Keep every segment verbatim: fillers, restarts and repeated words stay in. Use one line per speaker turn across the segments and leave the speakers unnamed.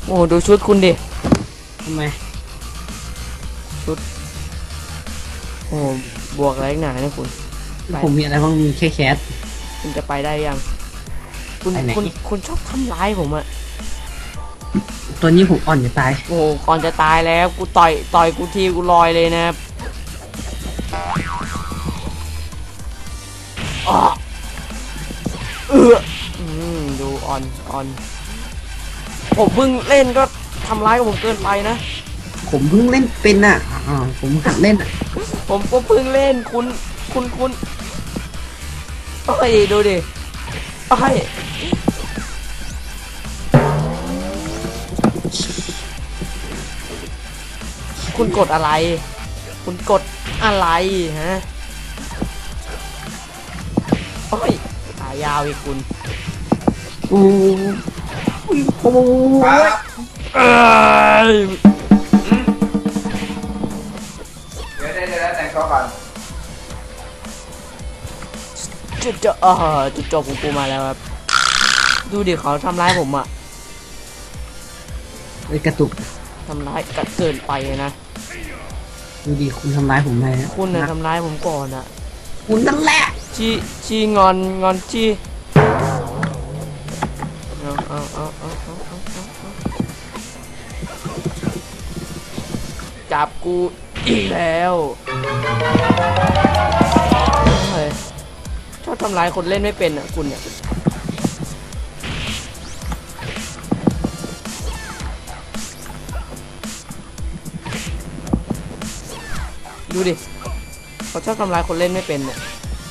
โอ้ดูชุดคุณดิ
ทำไม
ชุดโอ้บวกอะไรหนาเนี่ยคุณ
ผมมีอะไรบ้างมีแค่แคส
คุณจะไปได้ยังคุณคุณคุณชอบทำร้ายผมอะ
ตัวนี้ผมอ่อนจะตาย
โอ้ก่อนจะตายแล้วกูต่อยต่อยกูทีกูลอยเลยนะเอออืมดูอ่อนอ่อนผมเพิ่งเล่นก็ทำร้ายกับผมเกินไปนะ
ผมเพิ่งเล่นเป็นอ่ะอ๋อผมหัดเล่น
ผมก็เพิ่งเล่นคุณคุณคุณเอ้ยดูดิเอ้ยคุณกดอะไรคุณกดอะไรฮะโอ้ยขายาวอีกคุณ
โอ้โห
เอ้ย
เดี๋ยวได้แล้วแต่งตัวก่อน
จุดจบเออจุดจบของกูมาแล้วครับดูดิเขาทำร้ายผมอ่ะ
ไอ้กระตุก
ทำร้ายกัดเกินไปนะ
ดูดิคุณทำร้ายผมไง
คุณน่ะทำร้ายผมก่อนอ่ะ
คุณนั่นแหละ
ชีชีงอนงอนชีเอาเอาเอาเอาเอาเอาจับกูอีกแล้วเฮ้ยชอบทำร้ายคนเล่นไม่เป็นอ่ะคุณเนี่ยดูดิเขาชอบทำร้ายคนเล่นไม่เป็นเนี่ย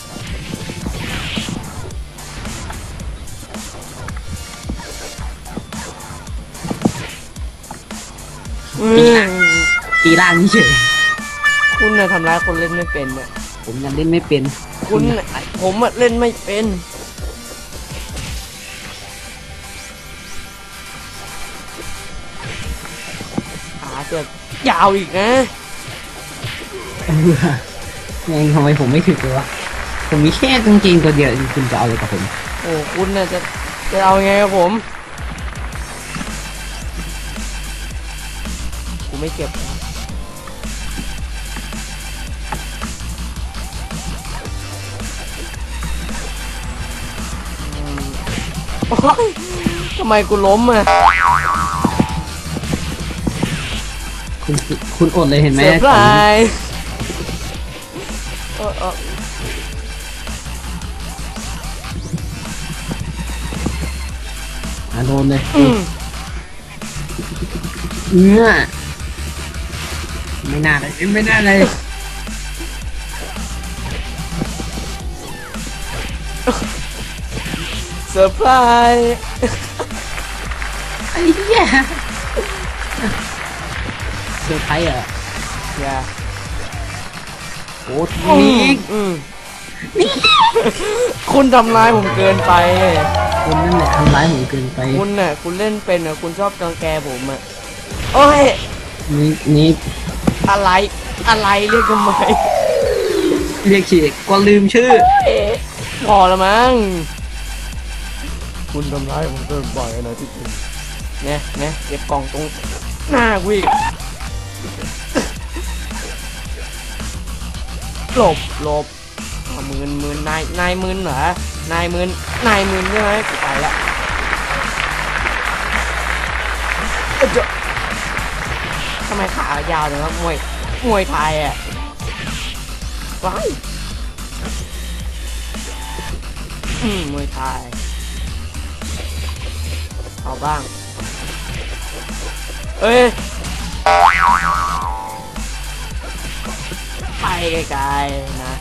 ตีล่างนี่เฉย
คุณเนี่ยทำร้ายคนเล่นไม่เป็นเนี่ย
ผมยังเล่นไม่เป็น
คุณผมเล่นไม่เป็นขาเจ็บยาวอีกนะ
ยังทำไมผมไม่ถึงเลยวะผมมีแค่กางเกงตัวเดียวคุณจะเอาอะไรกับผม
โอ้คุณน่ะจะจะเอาไงกับผมกูไม่เก็บทำไมกูล้มอ่ะ
คุณคุณอดเลยเห็นไหม
เซอร์ไพรส์เออเออ
โดนเลยเนื้อไม่น่าเลยไม่น่าเลย
เซอร์ไพรส์
ไอ้เหี้ยเซอร์ไพรส์เหรอ
อย่า
โอ้ที
นี่คุณทำร้ายผมเกินไป
คุณนั่นแหละทำร้ายผมเกินไป
คุณน่ะคุณเล่นเป็นอ่ะคุณชอบกังแกผมอ่ะโอ้ย
นี่นี่
อะไรอะไรเรียกทำไม
เรียกฉีกก็ลืมชื่อ
พอแล้วมั้งคุณทำร้ายผมเกินไปนะที่จริงเนี่ยเนี่ยเก็บกล่องตรงหน้ากูอีกหลบหลบมืนมืนนายนายมืนเหรอนายมืนนายมืนใช่ไหมกูไปละทำไมขายาวจังครับมวยมวยไทยอ่ะว้ายอืมมวยไทยเอาบ้างเอ้ยไปไกลๆนะ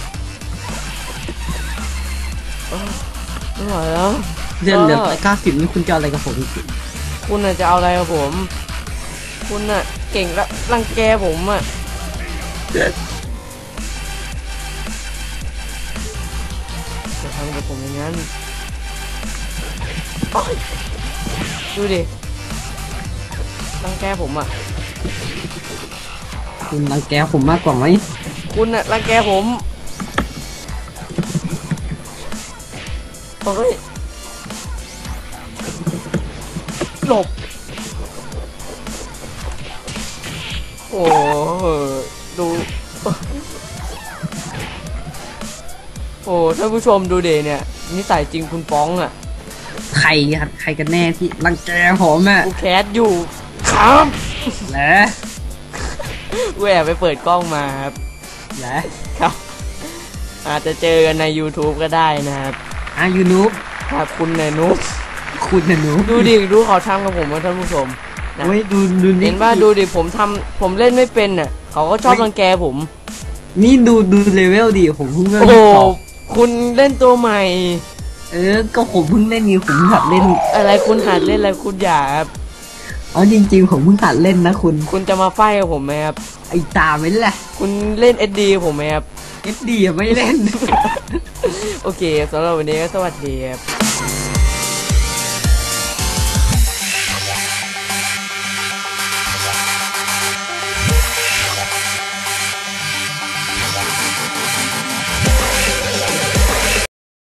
ไม่ไหวแล้ว
เรื่องเหลือเก้าสิบนี่คุณจะอะไรกับผม
คุณน่ะจะเอาอะไรกับผมคุณน่ะเก่งแล้วรังแกผมอ่ะจะทำกับผมอย่างนั้นดูดิรังแกผมอ่ะ
คุณรังแกผมมากกว่าไหม
คุณน่ะรังแกผมโอ้ยหลบโอ้โหดูโอ้ท่านผู้ชมดูเดเนี่ยนิสัยจริงคุณป้องอ่ะ
ใครครับใครกันแน่ที่รังแกผมอ่ะ
กูแคสอยู่ครับ
แหละ
กูแอบไปเปิดกล้องมาครับ
แหละ
ครับ อาจจะเจอกันใน YouTube ก็ได้นะครับ
อ่ะยูนูบ
ครับคุณเนนุบ
คุณนะหนู
ดูดิดูเขาทำกับผมว่าท่านผู้ชมนะ
เฮ้ยดูดู
เห็นว่าดูดิผมทำผมเล่นไม่เป็นน่ะเขาก็ชอบรังแกผม
นี่ดูดูเลเวลดิผมเพิ่งเล่น
โอ้
สอง
คุณเล่นตัวใหม่
เออก็ผมเพิ่งเล่นนี่ผมหัดเล่น
อะไรคุณหัดเล่นอะไรคุณอย่าครับ
อ๋อจริงๆผมเพิ่งหัดเล่นนะคุณ
คุณจะมาไฟกับผมไหมครับ
ไอ้ตาไม่แหละ
คุณเล่นเอสดีผมไหมครับ
เอสดีไม่เล่น
โอเคสำหรับวันนี้ก็สวัสดีครับ